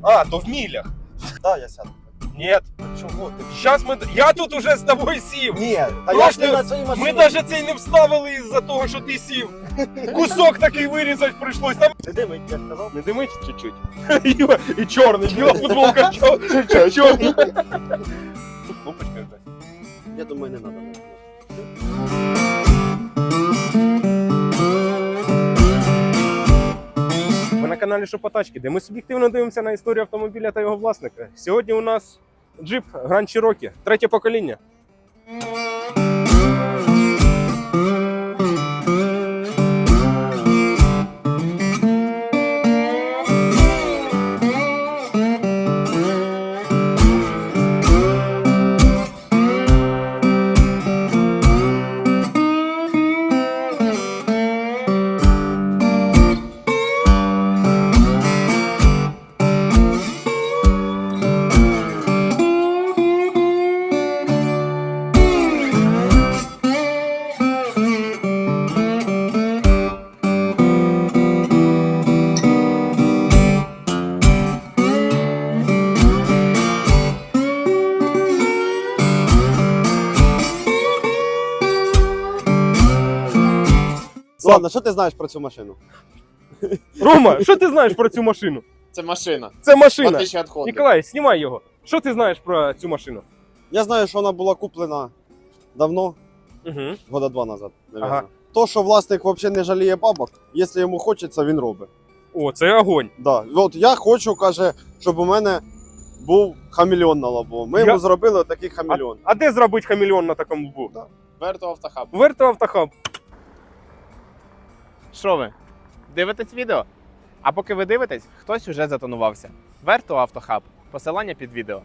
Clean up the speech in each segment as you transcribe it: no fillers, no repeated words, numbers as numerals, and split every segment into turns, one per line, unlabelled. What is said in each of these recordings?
А, то в милях.
Да, я сяду.
Нет.
Чого ти?
Сейчас я тут уже з тобою сів.
Ні, та я
Просто
ж не на своїй машині.
Ми навіть цей не вставили із-за того, що ти сів. Кусок такий вирізати прийшлось. Там
Не димить, я ж казав.
не димить чуть-чуть. І чорний, біла футболка чорна. Тут кнопочка якась.
Я думаю, не треба.
Ви на каналі Шопотачки, де ми суб'єктивно дивимося на історію автомобіля та його власника. Сьогодні у нас джип Grand Cherokee, третє покоління.
Ладно, що ти знаєш про цю машину?
Рома, що ти знаєш про цю машину?
Це машина.
Це
В
машина.
отличие від Honda.
Ніколай, знімай його. Що ти знаєш про цю машину?
Я знаю, що вона була куплена давно,
Угу.
года 2 назад, наверное.
Ага.
То, що власник взагалі не жаліє бабок, якщо йому хочеться, він робить.
О, це огонь.
Да. От я хочу, каже, щоб у мене був хамелеон на лобу. Ми йому зробили такий хамелеон.
А де зробити хамелеон на такому лбу?
Верто Автохаб.
Верто Автохаб.
Що ви? Дивитесь відео? А поки ви дивитесь, хтось уже затонувався. Верто Автохаб. Посилання під відео.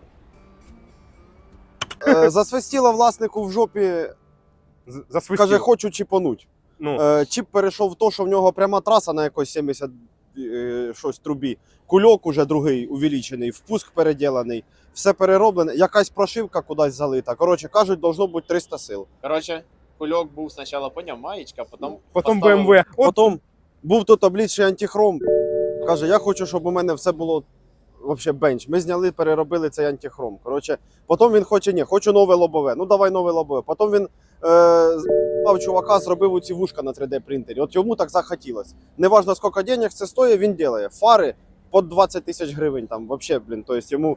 Засвистіло власнику в жопі,
Засвистів.
каже, хочу чіпануть.
Ну,
Чіп перейшов в те, що в нього пряма траса на якось 70 щось трубі. Кульок уже другий увеличений, впуск переділений, все перероблене, якась прошивка кудись залита. Коротше, кажуть, должно бути 300 сил.
Коротше, кульок був спочатку поняв маєчка, потім
потім
поставив-
BMW. От,
Потім був тут обліччя антихром. Каже, я хочу, щоб у мене все було вообще бенч. Ми зняли, переробили цей антихром. Коротше, потім він хоче, ні, хочу нове лобове. Ну давай нове лобове. Потім він чувака, зробив оці вушка на 3D принтері. От йому так захотілося. Неважно, скільки денег це стоїть, він робить. Фари по 20 тисяч гривень там, вообще, блін, тобто йому...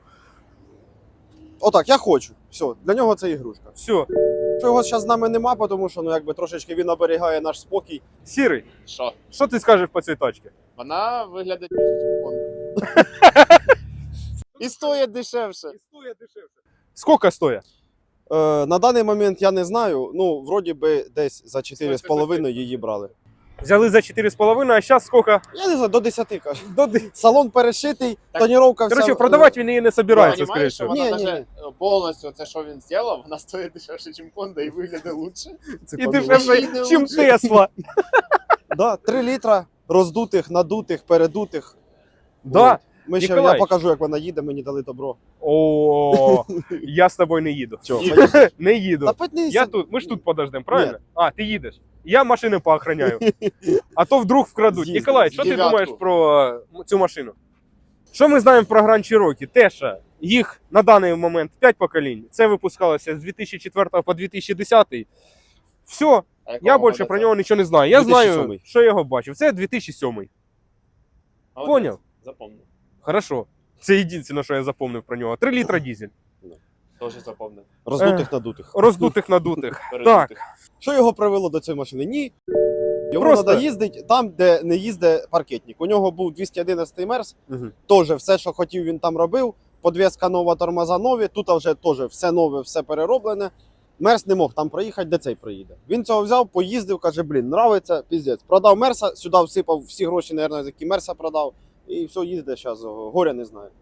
Отак, я хочу. Все, для нього це ігрушка.
все.
Що його зараз з нами нема, тому що, ну, якби трошечки він оберігає наш спокій.
Сірий,
Що?
що ти скажеш по цій тачці?
Вона виглядає більше, ніж Honda. І стоїть дешевше.
Скільки стоїть?
На даний момент я не знаю. Ну, вроді би десь за 4,5 її брали.
Взяли за 4,5, а зараз скільки?
Я не знаю, до 10 кажу.
До...
Салон перешитий,
Так,
тоніровка вся.
Коротше, продавати він її не собирається,
Понимаєш,
скоріше.
що вона
Ні, ні,
навіть повністю це, що він зробив, вона стоїть дешевше, ніж Honda і виглядає лучше.
Це
І
подумай.
дешевше, чим Тесла.
Да, 3 літра роздутих, надутих, передутих.
Да.
От. Ми ще,
Ніколай.
я покажу, як вона їде, мені дали добро.
О, я з тобою не їду.
Чого?
Не їду.
Та пить не
Я тут, ми ж тут подождемо, правильно? А, ти їдеш. Я машини поохраняю. А то вдруг вкрадуть.
З'їздить.
Ніколай, що ти
Дев'ятку.
думаєш про цю машину? Що ми знаємо про Grand Cherokee? Те, що їх на даний момент 5 поколінь. Це випускалося з 2004 по 2010. Все,
А якого
я більше
года
про
це?
нього нічого не знаю. Я знаю,
2007.
що я його бачив. Це 2007.
Молодець.
Поняв?
Запомнив.
Хорошо. Це єдине, що я запомнив про нього. 3 літра дизель.
Тоже запомнив.
Роздутих, надутих.
Роздутих, надутих.
Передутих.
Що його привело до цієї машини? Ні. Йому
Просто-
треба їздити там, де не їздить паркетник. У нього був 211 Мерс.
Мгм.
Теж все, що хотів, він там робив. Подвеска нова, тормоза нові. Тут вже теж все нове, все перероблене. Мерс не мог там проїхати, де цей проїде. Він цього взяв, поїздив, каже, блін, нравиться, піздець. Продав Мерса, сюди всипав всі гроші, мабуть, які Мерса продав. І все, їздить зараз, горя не знаю.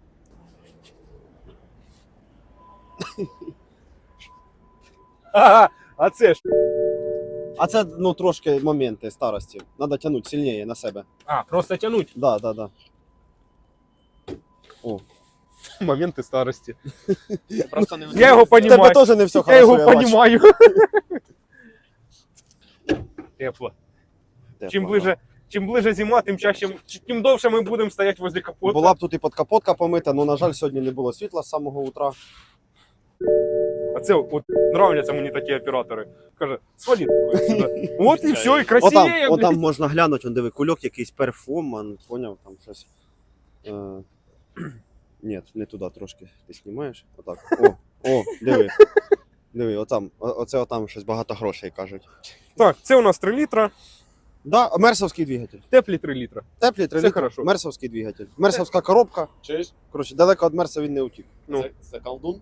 А це ж.
А це, ну, трошки моменти старості. Треба тягнути сильніше на себе.
А, просто тянуть.
Да, да, да.
Моменти старості.
Просто не
Я його
В тебе
понімаю.
теж не все
Я
хорошо,
його
я бачу.
понімаю. Тепло.
Тепло,
Чим
да.
ближе, чим ближе зима, тим довше ми будемо стояти возле капота.
Була б тут і подкапотка помита, але, на жаль, сьогодні не було світла з самого утра.
А це от нравляться мені такі оператори. Каже, свалі сюди. От і все, і красивіє,
Отам можна глянути, он диви, кульок якийсь перформан, поняв, там щось. Ні, не туди трошки. Ти знімаєш? Отак. О, диви. Диви, оце щось багато грошей кажуть.
Так, це у нас 3 літра,
Да, мерсовський двигатель.
теплі 3 літра.
Теплі 3
Це
літри,
хорошо.
мерсовський двигатель. Мерсовська коробка.
Чуєш?
Коротше, далеко від мерса він не утік.
Ну.
Це колдун?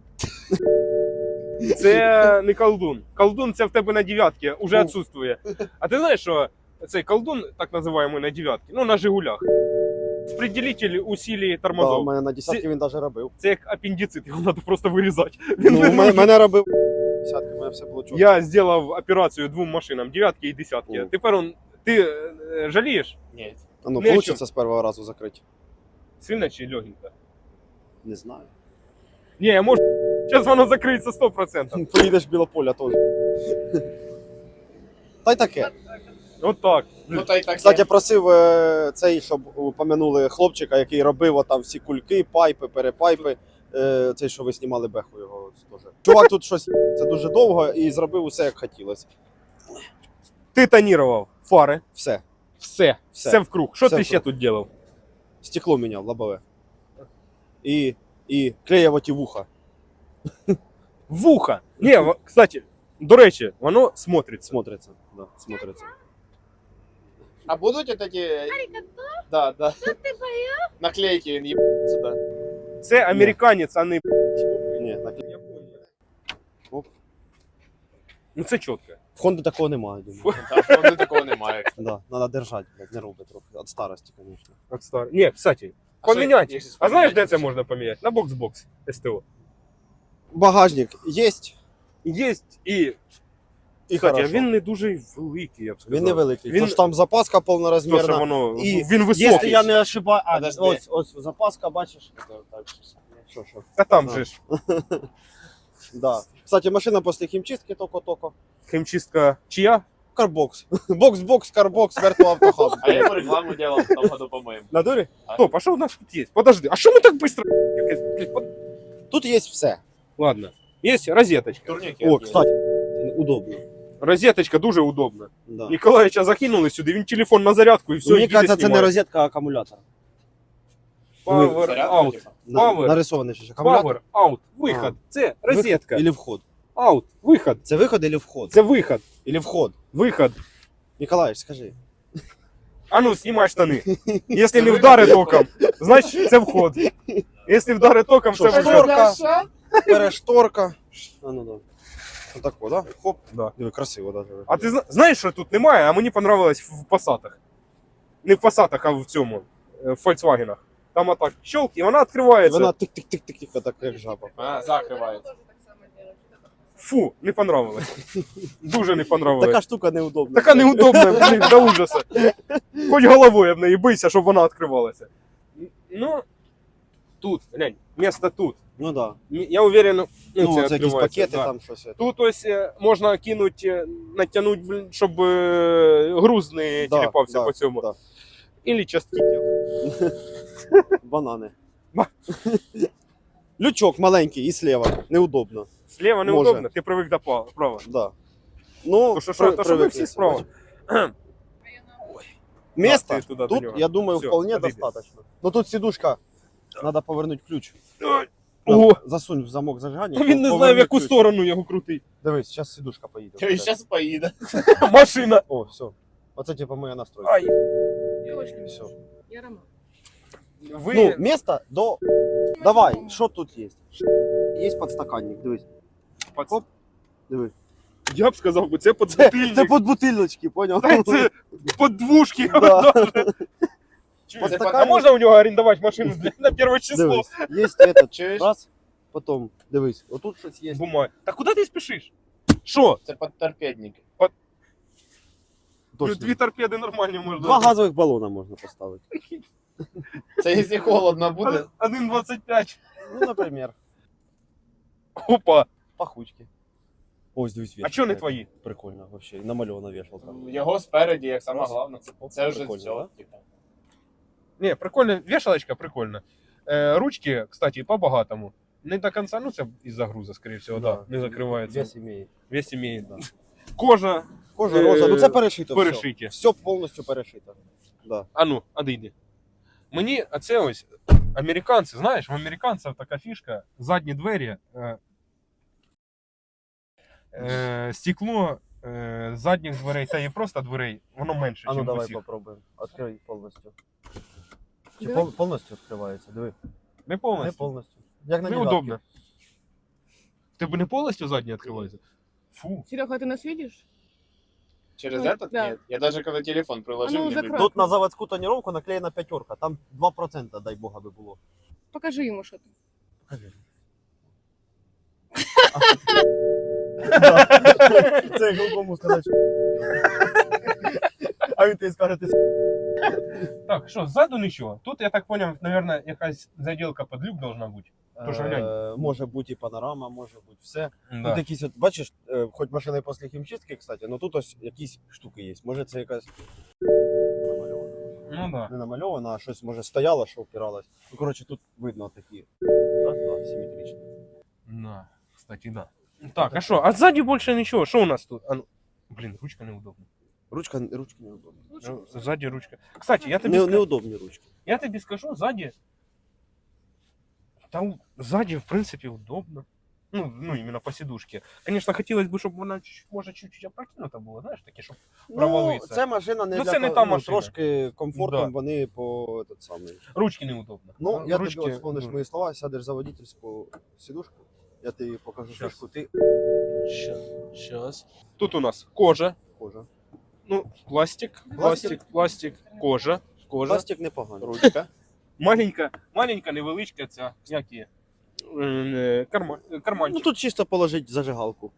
Це не колдун. Колдун це в тебе на дев'ятки, уже
Ну.
відсутствує. А ти знаєш, що цей колдун, так називаємо на дев'ятки, ну на Жигулях. Спределитель усилий
Да,
тормозов.
у мене на десятки він навіть робив.
Це як апендицит, його треба просто вирізати.
Ну, мене робив. Десятки, у мене все було чорно.
Я зробив операцію 2 машинам, дев'ятки і десятки.
О.
Тепер ти жалієш?
Ні.
А ну,
Не
вийде
чую.
з першого разу закрити?
Сильно чи легенько?
Не знаю.
Ні, я можу. Зараз воно закриється 100%.
Поїдеш в Білополя теж. Та й таке.
От так.
Ну, та й так.
Кстати, просив цей, щоб упомянули хлопчика, який робив отам всі кульки, пайпи, перепайпи. Цей, що ви знімали беху його теж. Чувак тут щось, це дуже довго і зробив усе, як хотілося.
Ти тонірував фари.
Все.
Все.
Все.
Все вкруг. Що
Все
ти
вкруг.
ще тут робив?
Стекло міняв, лобове. І клеїв оті вуха.
Вуха. Ні, кстати, до речі, воно смотриться.
Смотриться. Да, смотриться.
А будуть такі... Да, да. Наклейки він їб сюди.
Це американець, а не.
Ні, наклеїв. Оп.
Ну це чітко.
В Хонди такого немає, думаю.
Так, вони такого немає.
Да, треба держати, блядь, не робить трохи. Від старості, звісно.
От стар. Ні, кстати, поміняти. А знаєш, де це можна поміняти? На бокс-бокс СТО.
Багажник є.
Є і.
І
Кстати,
хорошо.
він не дуже великий, я б сказав.
Він невеликий.
Він-
Тож там запаска
То, що
повнорозмірна.
воно,
І
він високий.
Якщо я не ошибаюсь,
Подожди.
ось запаска, бачиш? Що?
Та там
А.
же ж
Да. Кстати, машина після хімчистки токо-токо.
хімчистка чия?
Карбокс. Бокс-бокс, карбокс, верту автохаб.
А я ему рекламу делал в том году, по-моему.
На дурі?
А.
Стоп, а що у нас тут є? Подожди, а що ми так швидко?
Тут є все.
Ладно. Є розеточка.
Турники.
О, кстати, удобно.
Розеточка дуже удобна.
Да.
Ніколаєвича закинули сюди, він телефон на зарядку і все.
Мені
їде,
кажется, це не
знімає.
розетка, а акумулятор.
Power
Зарядка,
out.
типа?
Power.
Нарисований ще акумулятор.
Power out. Виход. Це розетка.
Или вход.
Out. Виход.
Це виход или вход?
Це виход.
Или вход.
Виход.
Ніколаєш, скажи.
А ну, знімай штани. Якщо не вдарить током, значить це вход. Якщо вдарить током, це
Що,
виход.
шторка? Перешторка. А ну да. Отако, да? Хоп.
Да.
Диви, красиво даже.
А ти знаєш, що тут немає, а мені понравилось в Пасатах. Не в Пасатах, а в цьому, в Фольксвагенах. Там отак щелк, і вона відкривається.
Вона тик-тик-тик-тик, так як жаба.
А, закрывается.
Фу, не понравилось. Дуже не понравилось.
Така штука неудобна.
Така неудобна, блін, до ужаса. Хоч головою в неї бийся, щоб вона відкривалася. Ну, тут, глянь, місто тут.
Ну да.
Я уверен, ну,
Ну, це якісь
відкривається,
пакети
да.
там щось.
Тут ось можна кинути, натягнути, блін, щоб груз не
Да,
тіліпався
да,
по цьому.
да.
Ілі частки тіла.
Банани.
Ба-
Лючок маленький і слева. Неудобно.
Слева
Може.
неудобно, ти привик до права.
Да. Ну,
То що, ми
привикли.
всі справа.
Место
Да, ти туди до
тут,
нього.
я думаю,
Всё,
вполне
подойди.
достаточно. Но тут сидушка. Надо повернуть ключ.
Ого,
Засунь в замок зажигання.
він не знає, в
поверни
яку
ключ.
сторону його крутий.
Дивись, зараз сидушка поїде.
Сейчас поїде.
Машина.
О, все. Оце типа моя настройка.
Ай,
Все.
Я Роман.
ви...
Ну, место до... Давай, що тут є? Є подстаканник, дивись.
Хоп.
Дивись.
Я б сказав, це
Це
подбутильник.
під бутилочки, понял?
Та це подвушки.
Да.
Чуєш,
Подстаканник.
а можна у нього орендувати машину на перше число?
Дивись, є этот,
Чуєш?
раз, потом, дивись, отут щось є.
Бумага. Та куди ти спішиш? Що?
Це подторпедник.
Ну,
Точно.
2 торпеди нормально можна.
2 газових балона можна поставити.
Це якщо холодно буде.
1,25.
Ну, наприклад,
Опа.
пахучки. Ось, дивись,
А чого не твої?
Прикольно, взагалі. Намальована вішалка.
Його спереді, як сама
Раз.
головна. Це вже
Прикольно,
все.
да?
Типа.
Ні, прикольна, вішалочка прикольна. Ручки, кстати, по-багатому. Не до конца, ну це із-за груза, скоріше всього, да, не закривається.
Вес імеє.
Весь імеє, да. Кожа.
Кожа роза, ну це перешито.
Перешиті.
Все повністю перешито. Да.
А ну, одійди. Мені оце ось американці, знаєш, в американців така фішка, задні двері, стекло задніх дверей та і просто дверей, воно менше,
А ну
ніж у
давай
всіх.
попробуємо. Відкрий повністю. Чи
Давай.
повністю відкривається? Диви.
Не
Не
повністю.
повністю. Як на
Неудобно. В тебе не повністю задні відкриваються? Фу.
Серега, ты нас видишь?
Через
Ой,
этот?
да.
Нет. Я даже когда телефон приложил,
А ну,
не
закрой.
выбил.
Тут на заводську тоніровку наклеєна п'ятерка, там 2%, дай Бога, би було.
Покажи ему что-то.
Це як кому сказати. А він тобі скаже, ти
Так, що, ззаду нічого. Тут, я так поняв, мабуть, якась заділка під люк должна бути. Тож глянь.
Може бути і панорама, може бути все.
Да.
Тут якісь, от, бачиш, хоч машина і після хімчистки, кстати, але тут ось якісь штуки є. Може це якась намальована.
Ну да.
Не намальована, а щось може стояло, що впиралось. Ну, коротше, тут видно такі. Раз, два, симметрично.
Да, кстати, да. Так, а що? А ззаді більше нічого. Що у нас тут? А ну, блін, ручка неудобна.
Ручки неудобні.
Ну, ззаді ручка. Кстати,
Неудобні ручки.
я тобі скажу, ззаді. Там ззаді, в принципі, удобно. Ну, іменно по сидушке. Конечно, хотілося б, щоб вона, може, чуть-чуть опрокинута була, знаєш, таке, щоб провалиться.
Ну, це машина не
Ну,
для
це не та
ну,
машина.
трошки комфортом
Да.
вони по этот самий.
ручки неудобно.
Ну, я
ручки,
тобі от вспомниш мої слова, сядеш за водительську сидушку, я тобі покажу
Щас.
фішку, ти
Щас. Тут у нас кожа.
кожа.
Ну, пластик, кожа.
Пластик непоганий.
Ручка.
Маленька, невеличка ця, як є,
Ну
карманчик.
тут чисто положить зажигалку.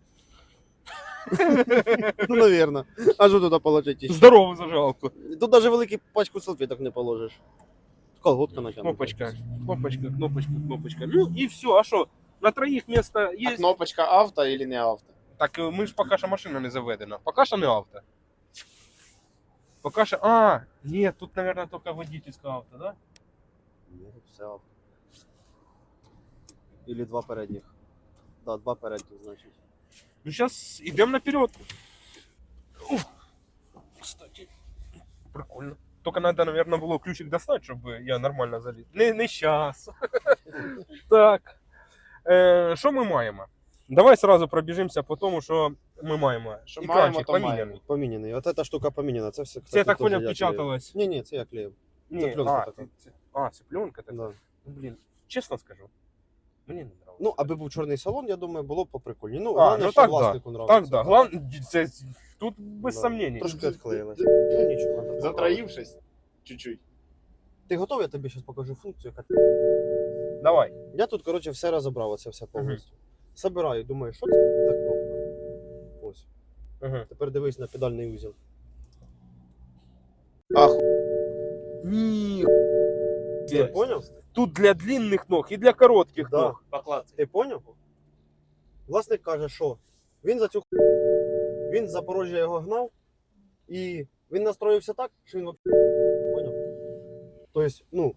Ну, навірно. А що туди положити? ще?
Здорову зажигалку.
Тут навіть велику пачку салфеток не положиш. Колготка натягнута.
Кнопочка. Ну і все, а що? На троїх місто
А
є.
кнопочка авто или не авто?
Так ми ж поки що машина не заведена. Поки що не авто. Поки що. А, ні, тут, мабуть, тільки водительське авто, да?
Ні, тут все авто. Или два передніх. Да, два передніх, значить.
Ну сейчас идем наперед. Ух, кстати, прикольно. Только надо, наверное, было ключик достать, чтобы я нормально заліз. Не сейчас. Так. Що ми маємо? Давай сразу пробіжимося по тому, що ми маємо.
Що
Екранчик
маємо, то
поміняний.
маємо.
Поміняний. От ця штука поміняна. Це все,
Це, я так
теж
понял,
клеїв.
печаталось.
Ні, це я клеїв.
Ні,
Це пленка така.
це пленка така.
Да.
Ну, блін, чесно скажу. Мені не нравится.
Ну, аби був чорний салон, я думаю, було б поприкольні. Ну,
А,
головне,
ну
що
так, да.
власнику
Так,
нравиться.
да. Главное, це, тут без
Да.
сомнений.
Трошки відклеїлось. Ну, нічого. надо
Затроившись чуть-чуть.
Ти готовий? Я тобі зараз покажу функцію, яка.
Давай.
Я тут, коротше, все розібрав, оце все повністю. Собираю, думаю, що це за кнопка? Ось.
Угу.
Тепер дивись на педальний узел.
Ні.
Ти поняв?
Тут для длинних ног і для коротких
Да.
ног.
Покладки.
Ти поняв? Власник каже, що він за цю він з Запорожжя його гнав, і він настроївся так, що він взагалі поняв. Тобто, ну,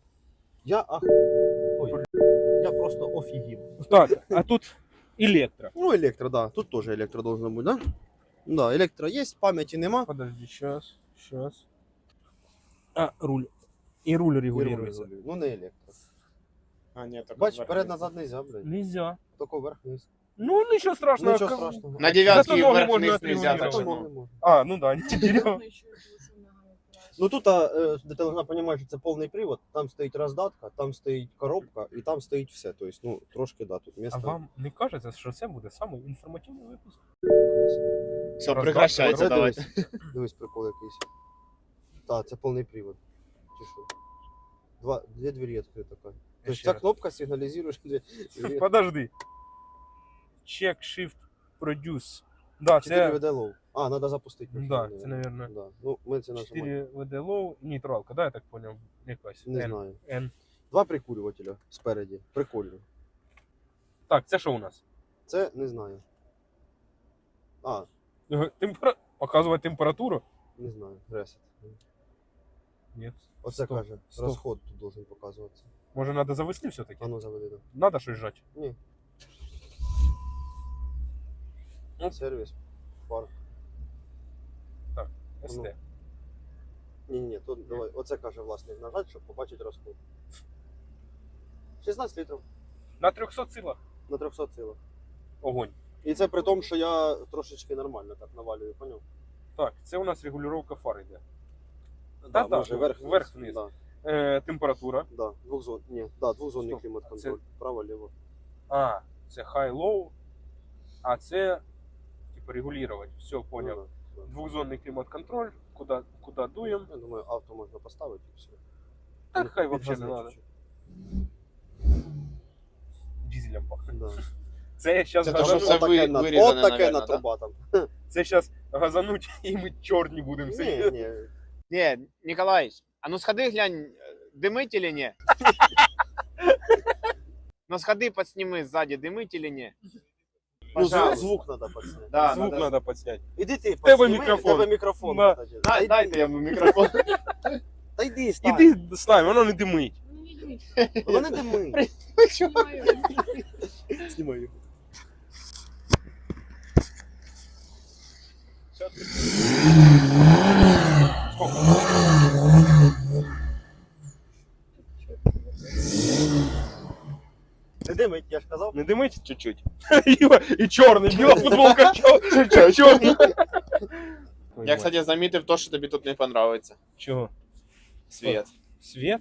я просто офігів.
Так, а тут електро.
Ну, електро, да. Тут теж електро должно бути, да? Да, електро є, пам'яті нема.
Подожди, сейчас. А, руль. І руль
І
регулюється.
руль. Ну, не електро.
А, нет, только
Бач,
вверх.
вперед-назад нельзя, блядь.
Нельзя.
Тільки вверх-вниз.
Ну, нічого страшного.
Нічого
Как-
страшного.
На девятке
Зато ноги
вверх
можно
вниз нельзя,
отрегулировать.
так
Зато
что
ноги
ну.
можна.
А, ну да, не дерево.
Ну тут ти должна розуміти, що це повний привод, там стоїть роздатка, там стоїть коробка і там стоїть все. Тобто, ну, трошки, да, тут
А
місто.
вам не кажеться, що це буде самий інформативний випуск?
Все,
Раздатка.
прекращайте,
Оце
давайте.
дивись, прикол якийсь. Так, це повний привод. Чи що? Дві двері відкрита. Тобто
Ще
ця
раз.
кнопка сигналізує, що дві.
Подожди. Check, shift, produce. Да,
4
це
веде лоу. А, треба запустити.
Да, це, наверное,
Да. Ну, ми це нажимаємо.
4 VD low, нейтралка, да, я так понял? Якась.
Не
N.
знаю.
N.
Два прикурювателя спереді. Прикольно.
Так, це що у нас?
Це не знаю. А,
Показувати температуру?
не знаю, ресет.
Ні.
Оце
Стоп,
каже,
стоп.
розход тут должен показуватися.
Може треба завести все-таки?
А ну заведи, да.
Надо щось жати.
Ні.
Ну.
Сервіс, парк.
СТ.
Ну. Ні, тут давай. Оце каже власник нажать, щоб побачити розход. 16 літрів
На 300 силах.
на 300 силах.
Огонь.
І це при тому, що я трошечки нормально так навалюю, поняв?
Так, це у нас регулювання фар йде.
Да,
Та,
може вверх-вниз.
вверх-вниз.
Да,
Температура.
да, двохзонний
Стоп,
клімат-контроль. Право-ліво.
А, це high-low, а це типу регулювати. Все, поняв.
Ну, да, да.
Двохзонний клімат-контроль, куди дуємо.
Я думаю, авто можна поставити і все.
Так хай
Ну,
взагалі не
підгазнати
треба.
чуть-чуть.
Дизелем пахне.
Да.
Це я зараз
Це то, що
газану,
все
Отаке на-
вирізане,
отаке на
наверно, да?
труба там.
це зараз газануть і ми чорні будемо
Ні,
сидіти.
ні.
Не, Николаевич, а ну сходи глянь, дымыть или не? Ну сходи подсними сзади, дымыть или не?
Ну,
Пожалуйста.
звук треба підсняти.
Да,
Звук
надо-
треба підсняти.
Іди ти,
тебе
підсніми,
мікрофон.
в тебе мікрофон.
Да.
кстати.
Дайте ему микрофон.
Та йди, стань.
Іди стань, воно не димить.
Ну, не дымить.
Воно не дими.
Снимаю.
Знімай його. Не димить, я ж казав.
Не димить? Чуть-чуть. І чорний, біла футболка, чорна.
Я, кстати, заметив то, що тобі тут не понравится.
Чого?
Свет.
Свет?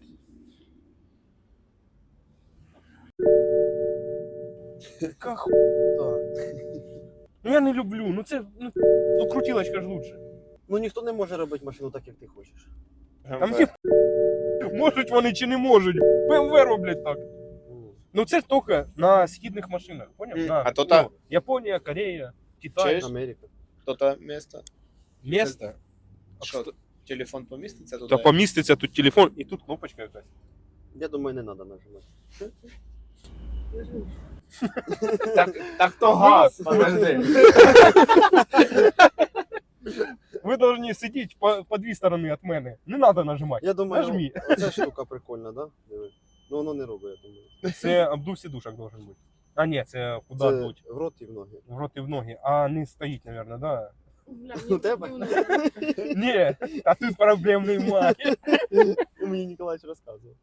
Яка ху... Ну я не люблю, ну це, ну крутілочка ж лучше.
Ну ніхто не може робити машину так, як ти хочеш.
Там всі можуть вони чи не можуть. BMW роблять так. Ну це тільки на східних машинах, поняв?
Мгм.
На,
А то так.
Японія, Корея, Китай.
Чуєш?
Америка.
Кто-то место.
Місто.
А що, телефон поміститься туди?
Та поміститься тут телефон і тут кнопочка якась.
Я думаю, не треба нажимати.
Так то газ, подожди.
Ви повинні сидіти по дві сторони від мене. Не треба нажимати.
Я думаю,
Нажмі.
оця штука прикольна, да? Диви. Ну воно не робить, я думаю.
Це обдув сідушок должен бути. А ні, це куди
Це
дуть?
в рот і в ноги.
В рот і в ноги. А не стоїть, мабуть, да?
Бля,
У тебе?
Ні, а тут проблем немає.
Мені Ніколаєвич розказував.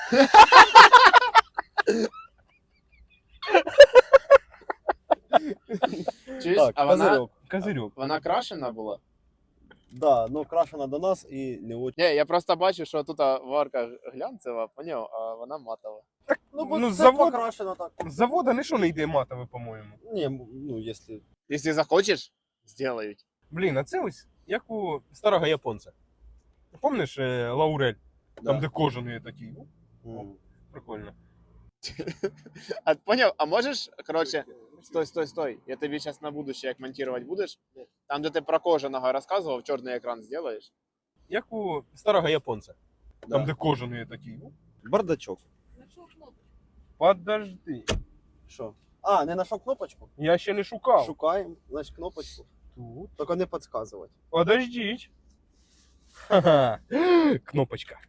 Чуєш,
Так,
а вона,
козирьок.
Козирюк.
вона крашена була?
Да, ну крашена до нас і не очень.
Ні, я просто бачу, що тут варка глянцева, поняв, а вона матова.
Ну, бо
Ну,
це
завод-
покрашено так.
З завода нічого не йде матове, по-моєму.
Ні, ну, якщо...
Якщо захочеш, зроблять.
Блін, а це ось як у старого японця. Пам'ятаєш Лаурель? Там,
Да.
де кожані такі. Ну,
М.
прикольно.
А поняв, а можеш, коротше, стой, я тобі зараз на будущее, як монтувати будеш, там, де ти про кожаного розказував, чорний екран зробиш.
Як у старого японця. Там,
Да.
де кожані такі.
Бардачок.
Нашел кнопку.
Подожди.
Що? А, не знайшов кнопочку?
Я ще не шукав.
Шукаємо, значить кнопочку.
Тут.
Тільки не підказувати.
Подождіть. Ха-ха. Кнопочка.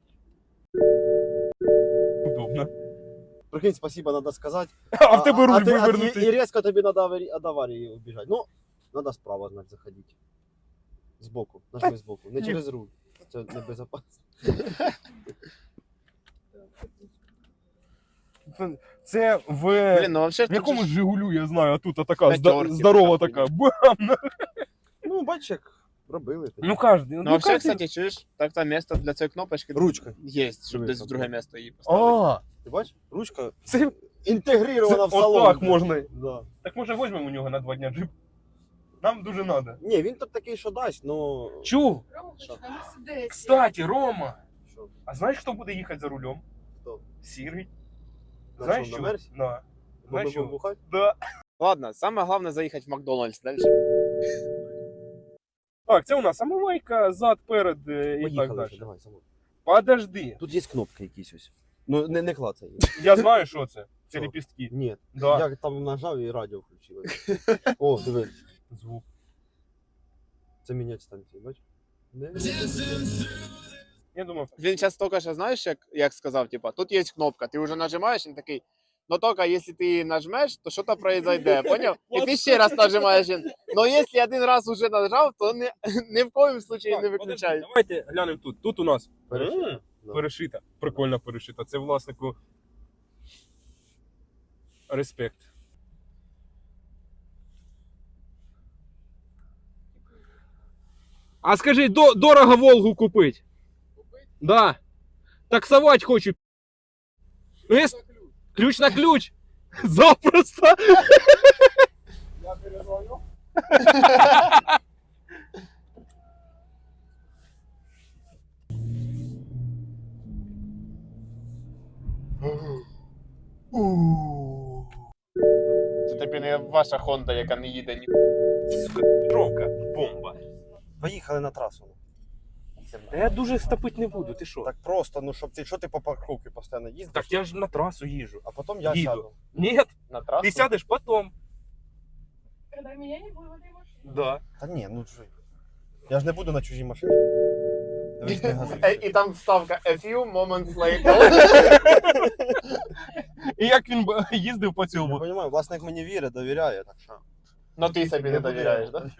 Удобно.
Прикинь, спасибо, треба сказати.
А в тебе руль
ти-
вивернутий.
І різко тобі треба від аварії убіжати. Ну, треба справа, значить, заходити. Збоку, нажми збоку, не
Ні.
через руль. Це небезпечно.
Це в...
Блін, ну взагалі
В якому Жигулю я знаю, а тут така
П'ятерки,
здорова
така
така. Бам!
Ну, бачиш, як робили. тоді.
Ну кожен.
Ну, вообще, кстати, чуєш, так-то місце для цієї кнопочки
Ручка.
є, щоб
Диви,
десь в
там.
друге місце її поставити.
А,
Ти бачиш? Ручка
це
інтегрирована в салон.
отак можна.
Да.
Так може візьмемо у нього на 2 дня джип. Нам дуже треба.
Ні, він тут такий, що дасть, ну...
Чу?
Що?
Ромочка, Мерседес.
Кстати, Рома,
Що?
а знаєш, хто буде їхати за рулем?
Хто?
Сірий.
На
Знаєш
що,
що?
на Мерсі?
Да.
Бо
Знаєш
ми
що?
будемо бухати?
Да.
Ладно, саме головне заїхати в Макдональдс далі.
Так, це у нас омивайка, зад, перед і так
Поїхали вже,
далі.
давай, само.
Подожди.
Тут є кнопки якісь ось. Ну, не клацай її.
Я знаю, що це. Це
Що?
ліпістки.
Ні.
Да.
Я там нажав і радіо включилось. О, диви.
Звук.
Це міняти станції, бач?
Я думав,
Він зараз тільки що, знаєш, як сказав, типа, тут є кнопка, ти вже нажимаєш, він такий, но тільки якщо ти її нажмеш, то щось произойде, поняв? І ти ще раз нажимаєш, но якщо один раз уже нажав, то ні в коїм случаї не
так,
виключай.
подожди, давайте глянемо тут. Тут у нас
Перешита. Да.
перешита. Прикольно перешита. Це власнику респект. А скажи, дорого Волгу купить? Да. Таксовать хочу. Ну, ключ на ключ. Запросто.
Я перезвоню.
Це тобі не ваша Honda, яка не їде ні.
Ровка. Бомба.
Поїхали на трасу.
Та я дуже стопити не буду, ти що?
Так просто, ну щоб ти, що ти по парковці постійно їздиш,
Так я ж на трасу їжджу.
а потім я
їду.
сяду.
Нет,
На трасу?
ты сядешь потом.
Когда меня не будет в этой машине.
Да.
Та ні, ну що. Я ж не буду на чужій машині. Дивись, не газуй.
І там вставка a few moments later.
І як він їздив по
Я
цьому?
розумію, власник мені вірить, довіряє, так що.
Ну ти собі не довіряєш, так?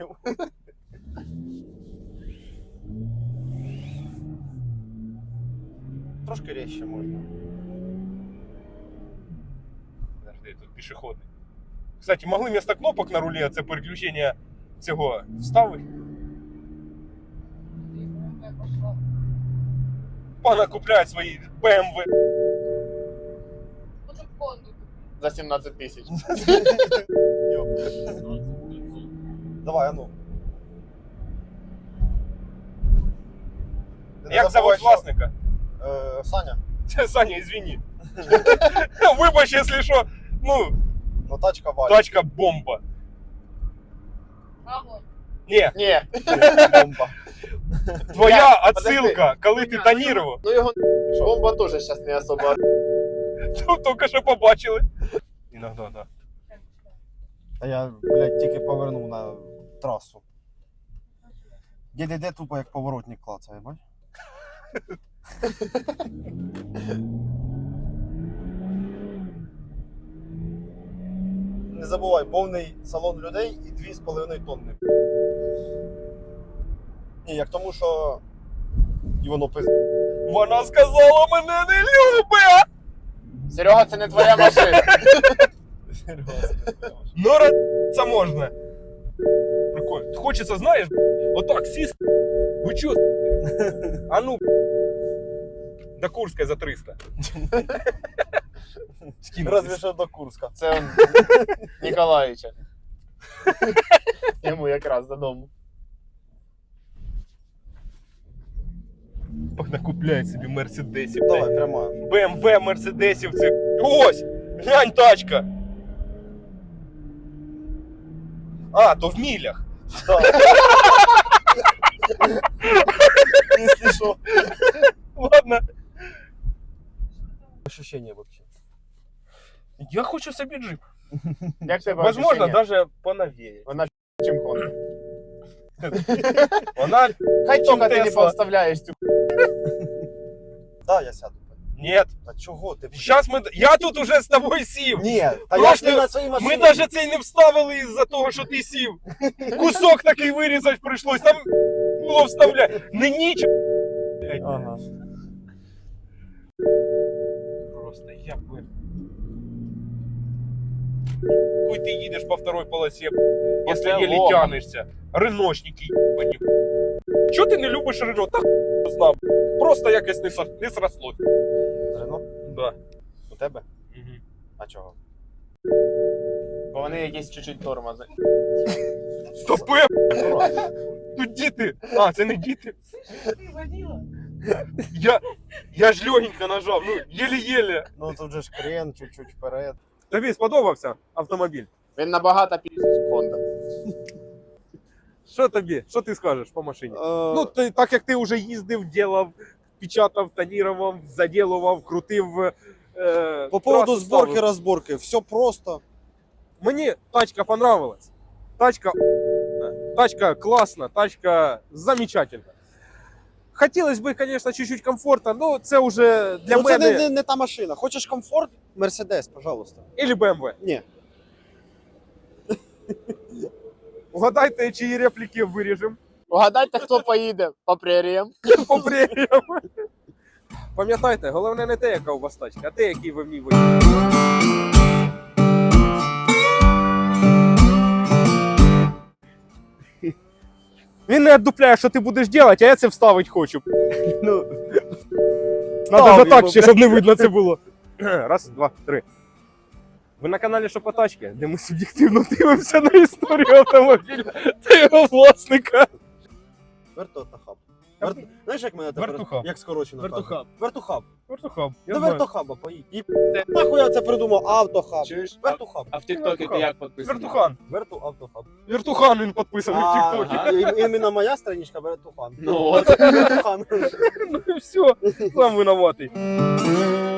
Трошки різче можна.
Подожди, тут пішохідний. Кстати, могли вместо кнопок на рулі, це переключення цього вставити.
Я пошла.
Пана купляють свої BMW.
Лучше в Хонду.
За 17 тисяч.
Давай, а ну. Ти не
Як
забувай,
зовут
що,
власника?
Саня.
Саня, извини. Вибач, якщо що. Ну,
Ну тачка валить.
тачка бомба.
Огонь.
Ні,
Ні.
Бомба.
твоя
Подожди.
отсилка, коли ти тонірував,
Ну його бомба теж зараз не особо.
тільки що побачили. Іногда, так.
Та я, блядь, тільки повернув на трасу. Дід іде тупо як поворотник клацає, бач? Не забувай, повний салон людей і 2,5 тонни. Ні, як тому, що і воно пиз...
Вона сказала, мене не любить!
Серега, це не твоя машина.
Ну, це можна. Прикольно. Хочеться, знаєш, отак сісти. Ви чо? А ну, до Курська за 300.
Разве що до Курська.
Це он Ніколаївича. Йому якраз додому.
Накупляй собі мерседесів.
Давай, прямо.
БМВ, мерседесів цих. Ось! Глянь, тачка! А, то в милях.
Да. Если что.
Ладно.
Ощущение вообще.
Я хочу собі джип.
Як тебе
Возможно,
ощущення?
даже поновее.
Вона чим Honda.
Вона...
Хай
Чим
тільки ти не
Тесла?
подставляєш цю.
Да, я сяду. Нет.
Та чого ти?
Сейчас мы... Я тут уже з тобою сів.
Ні, та я
Просто
ж не на своїй машині.
Ми навіть цей не вставили із-за того, що ти сів. Кусок такий вирізати прийшлось. Там було вставляти. Не ніч.
Ага.
Просто я бы... Хуй ты едешь по второй полосе, если
Оце
еле
лома.
тянешься. Реношники, ебані. Чого ти не любиш Рено? Та хуй знав. Просто якось не срослось.
Рено?
Да.
У тебе? А чого?
Бо вони якісь чуть-чуть тормози.
Стопе! Тут діти! А, це не діти.
Ты водила?
Я ж легенько нажав, ну, єле-єле.
Ну тут же ж крен чуть-чуть вперед.
Тобі сподобався автомобіль?
Він набагато пізніше Honda.
Що тобі? Що ти скажеш по машині?
Ну,
Ну, ти, так як ти вже їздив, ділав, печатав, тонірував, заділував, крутив.
по поводу
трасу
зборки,
ставив.
розборки, все просто.
Мені тачка понравилась. Тачка Тачка класна, тачка замечательна. Хотілося б, звісно, чуть-чуть комфортно, але це вже для
Ну, це
мене.
не та машина. Хочеш комфорт? Мерседес, пожалуйста.
Или BMW.
Ні.
Угадайте, чиї репліки виріжемо.
Угадайте, хто поїде по преріям.
По преріям. Пам'ятайте, головне не те, яка у вас тачка, а те, який ви в ній водій. Він не віддупляє, що ти будеш робити, а я це вставити хочу.
Ну,
Надо
Став
вже так
йому,
ще, щоб не видно це було. Раз, два, три. Ви на каналі Шопотачки, де ми суб'єктивно дивимося на історію автомобіля та його власника.
вертотна хаб. Знаєш, як мене тепер?
Вертухаб.
Як скорочено?
Вертухаб.
кажуть? Вертухаб.
Вертухаб.
До вертухаба поїдь. Нахуй я це придумав? Автохаб.
Чуєш?
Вертухаб.
А в Тіктокі ти як підписаний?
Вертухан.
Автохаб.
Вертухан він підписаний в
А,
Тіктокі.
іменно моя страничка Вертухан.
Ну от.
Вертухан.
Ну і все, сам винуватий.